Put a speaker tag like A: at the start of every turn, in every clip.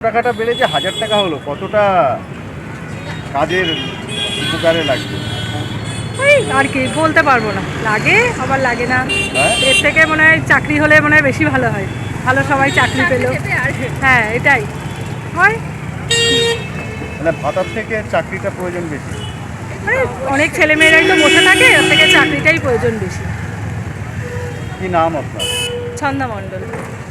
A: টাকাটা বেড়েছে 1000 টাকা হলো, কতটা কাজের উপকারে লাগবে?
B: ওই আর কি বলতে পারবো না, লাগে আবার লাগে না।
A: হ্যাঁ?
B: এর থেকে মনে হয় চাকরি হলে মনে হয় বেশি ভালো হয়, ভালো সবাই চাকরি পেলো। হ্যাঁ এটাই হয়,
A: মানে ভাতার থেকে চাকরিটা প্রয়োজন বেশি।
B: মানে অনেক ছেলেমেয়েরাই তো বসে থাকে, ওর থেকে চাকরিটাই প্রয়োজন বেশি।
A: কি নাম আপনার?
B: ছন্দা মণ্ডল।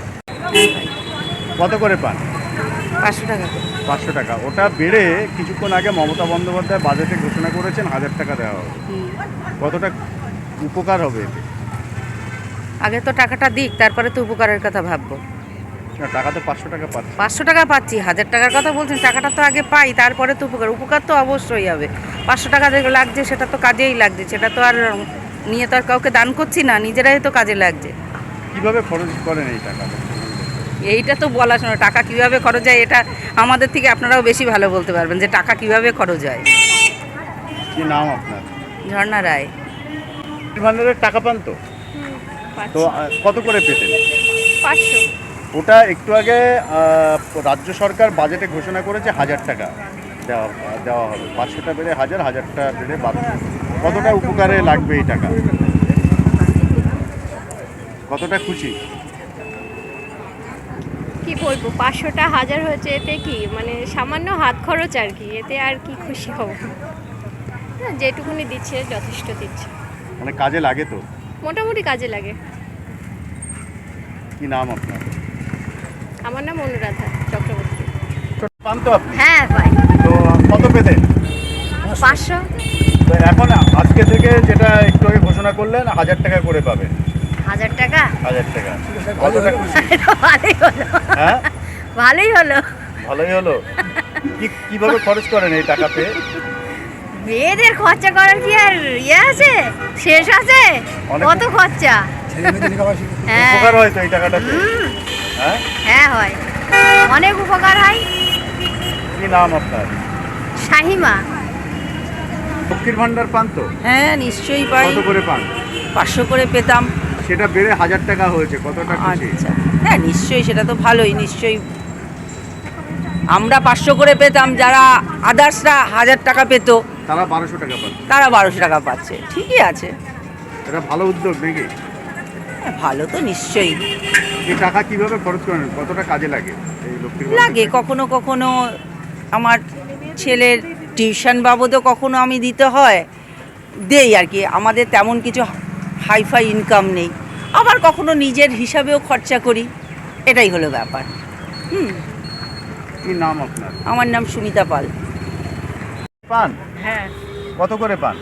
A: কত করে পান?
B: 500 টাকা।
A: 500 টাকা। ওটা বেড়ে কিছুক্ষণ আগে মমতা বন্দ্যোপাধ্যায় বাজেটে ঘোষণা করেছেন 1000 টাকা দেওয়া হবে। কতটা উপকার হবে এতে?
C: আগে তো টাকাটা দিক, তারপরে তো উপকারের কথা ভাববো।
A: না, টাকা তো 500 টাকা পাচ্ছে।
C: 500 টাকা পাচ্ছি, 1000 টাকার কথা বলছেন, টাকাটা তো আগে পাই, তারপরে তো উপকার তো অবশ্যই হবে। 500 টাকা লাগছে, সেটা তো কাজেই লাগছে, সেটা তো আর নিয়ে তো আর কাউকে দান করছি না, নিজেরাই তো কাজে লাগছে।
A: কিভাবে খরচ করেন এই টাকা?
C: এইটা তো বলা শোনো, টাকা কিভাবে খরচ হয় এটা আমাদের থেকে আপনারাও বেশি ভালো বলতে পারবেন যে টাকা কিভাবে খরচ হয়।
A: কি নাম আপনার?
C: ঝর্ণা রায়।
A: ভান্ডারের টাকা পান তো? তো কত করে পেতেন?
B: 500।
A: ওটা একটু আগে রাজ্য সরকার বাজেটে ঘোষণা করেছে 1000 টাকা দেওয়া হবে। 500টা বেড়ে 1000, 1000টা বেড়ে 1200। কতটা উপকারে লাগবে এই টাকা? কতটা খুশি?
D: কি বলবো, 500টা 1000 হয়েছে, এতে কি মানে সামান্য হাত খরচ আর কি, এতে আর কি খুশি হব না, যেটুকুনি দিচ্ছে যথেষ্ট দিচ্ছে,
A: মানে কাজে লাগে তো?
D: মোটামুটি কাজে লাগে।
A: কি নাম আপনার?
D: আমার নাম অনুরাধা চক্রবর্তী।
A: পান তো আপনি?
D: হ্যাঁ পাই।
A: তো কত পেতেন?
D: 500।
A: তো এখন আজকে থেকে যেটা একটু আগে ঘোষণা করলেন 1000 টাকা করে পাবেন।
D: 1000 টাকা
A: 1000 টাকা। কতটা খুশি?
D: ভালোই হলো।
A: হ্যাঁ,
D: ভালোই হলো।
A: ভালোই হলো। কিভাবে খরচ করেন এই টাকা পেয়ে?
D: মেয়েদের খরচা করার কি আর ইয়ে আছে, শেষ আছে?
A: অনেক-
D: কত খরচা। হ্যাঁ
A: উপকার হয় তো এই টাকাটা পেয়ে? হ্যাঁ,
D: হ্যাঁ হয়, অনেক উপকার হয়।
A: কি নাম আপনার?
D: শাহিমা।
A: লক্ষ্মীর ভান্ডার পান তো?
C: হ্যাঁ নিশ্চয়ই পাই,
A: কত করে পান?
C: 500 করে পেতাম।
A: সেটা বেড়ে 1000 টাকা হয়েছে, কতটা খুশি?
C: আচ্ছা, হ্যাঁ নিশ্চয়ই, সেটা তো ভালোই, নিশ্চয়ই। আমরা 500 করে পেতাম, যারা আদার্সরা 1000 টাকা পেত
A: তারা 1200 টাকা পাচ্ছে।
C: তারা 1200 টাকা পাচ্ছে, ঠিকই আছে।
A: এটা ভালো উদ্যোগ নাকি?
C: হ্যাঁ, ভালো তো নিশ্চয়ই
A: এই টাকা কিভাবে খরচ করেন? কতটা কাজে লাগে এই লক্ষ্মীর ভান্ডার?
C: লাগে। কখনো কখনো আমার ছেলের টিউশন বাবদও কখনো আমি দিতে হয়, দেই আর কি। আমাদের তেমন কিছু হাইফাই ইনকাম নেই, আবার কখনো নিজের হিসাবেও খরচা করি, এটাই হলো ব্যাপার।
A: কি নাম আপনার?
C: আমার নাম সুমিতা পাল।
A: পান?
B: হ্যাঁ
A: কত করে পান?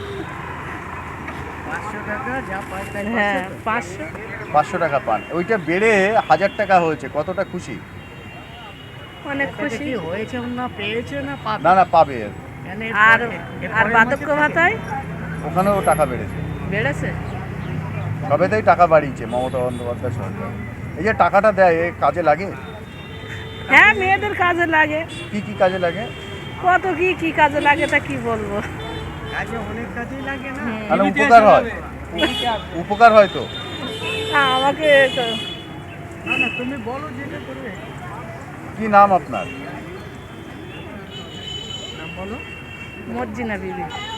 B: হ্যাঁ 500।
A: 500 টাকা পান। ওইটা বেড়ে 1000 টাকা হয়েছে, কতটা খুশি?
B: অনেক খুশি হয়েছে না, পেয়েছে না,
A: না না, পাবে।
B: আর আর বার্ধক্য ভাতায়
A: ওখানেও টাকা বেড়েছে।
B: বেড়েছে।
A: সবেতেই টাকা বাড়িয়েছে মমতা বন্দ্যোপাধ্যায় সরকার। এই যে টাকাটা দেয়, এ কাজে লাগে?
B: হ্যাঁ মেয়েদের কাজে লাগে,
A: কি কি কাজে লাগে?
B: কত কি কি কাজে লাগে তা কি বলবো।
A: মানে উপকার হয়? উপকার হয় তো?
B: আমাকে
A: কি নাম আপনার?
B: মর্জিনা বিবি।